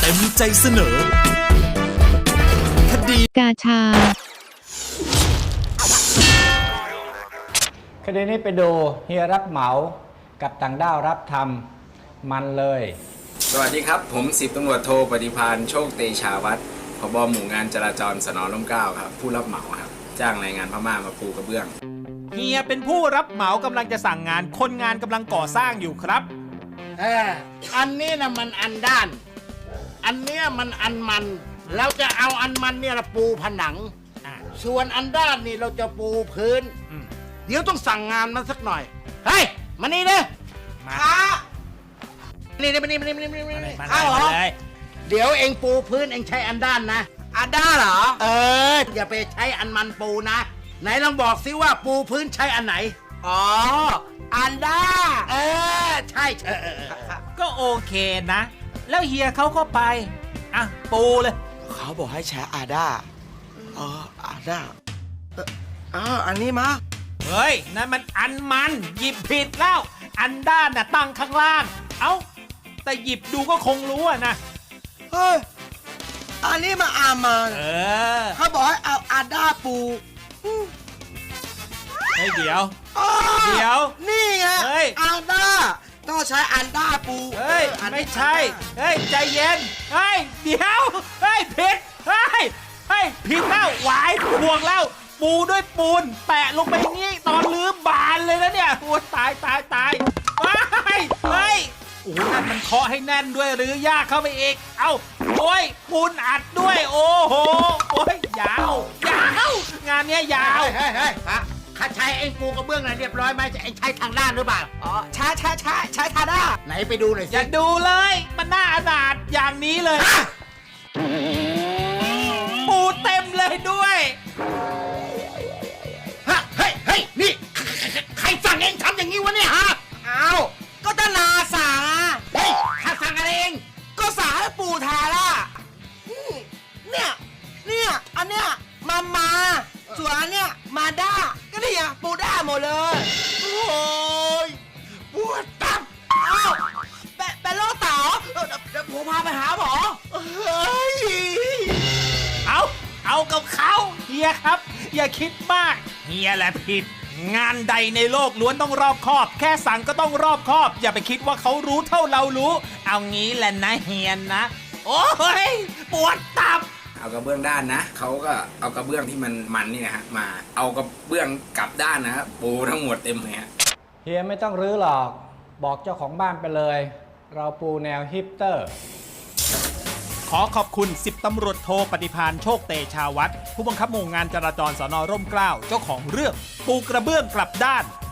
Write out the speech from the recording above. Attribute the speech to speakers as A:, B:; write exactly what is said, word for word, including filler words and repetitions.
A: เต็มใจเสนอคดี
B: กาชา
C: คดีนี้ไปดูเฮียรับเหมากับต่างด้าวรับทำมันเลย
D: สวัสดีครับผมสิบตำรวจโทปฏิภาณโชคเตชาวัฒน์ผบ.หมู่งานจราจรสน.ร่มเกล้าครับผู้รับเหมาครับจ้างแรงงานพม่ามาปูกระเบื้อง
E: เฮียเป็นผู้รับเหมากำลังจะสั่งงานคนงานกำลังก่อสร้างอยู่ครับ
F: เอออันนี้นะมันอันด้านอันเนี้ยมันอันมันเราจะเอาอันมันเนี่ยปูผนังส่วนอันด้านนี่เราจะปูพื้นเดี๋ยวต้องสั่งงานมันสักหน่อยเฮ้ยมานี่เลยมานี่นี่มานี่มานี่มานี่มานี่ข้าวเหรอเดี๋ยวเองปูพื้นเองใช้อันด้านนะอันด้านเหรอเอออย่าไปใช้อันมันปูนะไหนลองบอกซิว่าปูพื้นใช้อันไหนอ๋ออันด้าเออใช่เออ
E: ก็โอเคนะแล้วเฮียเขาก็ไปอ่ะปูเลย
G: เขาบอกให้ใช้อาด้าเอออาด้าเอออ้าวอันนี้มา
E: เฮ้ยนั่นมันอันมันหยิบผิดแล้วอันด้านน่ะตั้งข้างล่างเอ้าแต่หยิบดูก็คงรู้อะนะ
G: เฮ้ยอันนี้มาอามา
E: เออ
G: เขาบอกให้เอาอาด้าปู
E: เฮ้ยเดี๋ยวเดี๋ยว
G: นี่ไงอาด้าต้องใช้อันด้าปู
E: เฮ้ยไม่ใช่เฮ้ยใจเย็นเฮ้ยเดี๋ยวเฮ้ยผิดเฮ้ยเฮ้ยผิดแล้วหวายพวงแล้วปูด้วยปูนแปะลงไปนี่ตอนลื้อบานเลยนะเนี่ยโอ้ตายตายตายเฮ้ยเฮ้ยโอ้นั่นมันเคาะให้แน่นด้วยหรือยากเข้าไปอีกเอ้าโอ้ยปูนอัดด้วยโอ้โหโอ้ยยาวยาวงานเนี้ยยาว
F: เฮ้ยเฮ้ยข้าใช้เองปูกระเบื้องไหนเรียบร้อยไหมจะเองใช้ทางด้านหรือเปล่า
G: อ๋อใช้ใช้ใช้ใช้ทางด้าน
F: ไหนไปดูหน่อยสิ
E: อย่าดูเลยมันน่าอนาถอย่างนี้เลยปูเต็มเลยด้วย
F: ฮะเฮ้ยเฮ้ยนี่ใครสั่งเองทำอย่างนี้วะเนี่ยฮะ
G: อ้าวก็ตนาสั่ง
F: เฮ้ยข้าสั่งอะไรเอง
G: ก็สั่งให้ปูทาล่ะเนี่ยเนี่ยอันเนี้ยมามาส่วนอันเนี้ยมาด้าก็นี่อ่ะปูด้าหมดเลย
F: โอ้ยปวดตับ
G: อ้าวเป็นเป็นโรคเต๋าเดี๋ยวผมพาไปหาหมอ
F: เฮ้ย
E: เอาเอากับเขาเฮียครับอย่าคิดมากเฮียแหละผิดงานใดในโลกล้วนต้องรอบคอบแค่สั่งก็ต้องรอบคอบอย่าไปคิดว่าเขารู้เท่าเรารู้เอางี้แหละนะเฮียนะโอ้ยปวดตับ
D: เอากระเบื้องด้านนะเขาก็เอากระเบื้องที่มันมันนี่นะฮะมาเอากระเบื้องกลับด้านนะครับปูทั้งหมดเต็มเลยฮะ
C: เฮียไม่ต้องรื้อหรอกบอกเจ้าของบ้านไปเลยเราปูแนวฮิปเตอร์
E: ขอขอบคุณสิบตำรวจโทปฏิภาณโชคเตชาวัฒน์ผู้บังคับหมู่งานจราจรสน.ร่มเกล้าเจ้าของเรื่องปูกระเบื้องกลับด้าน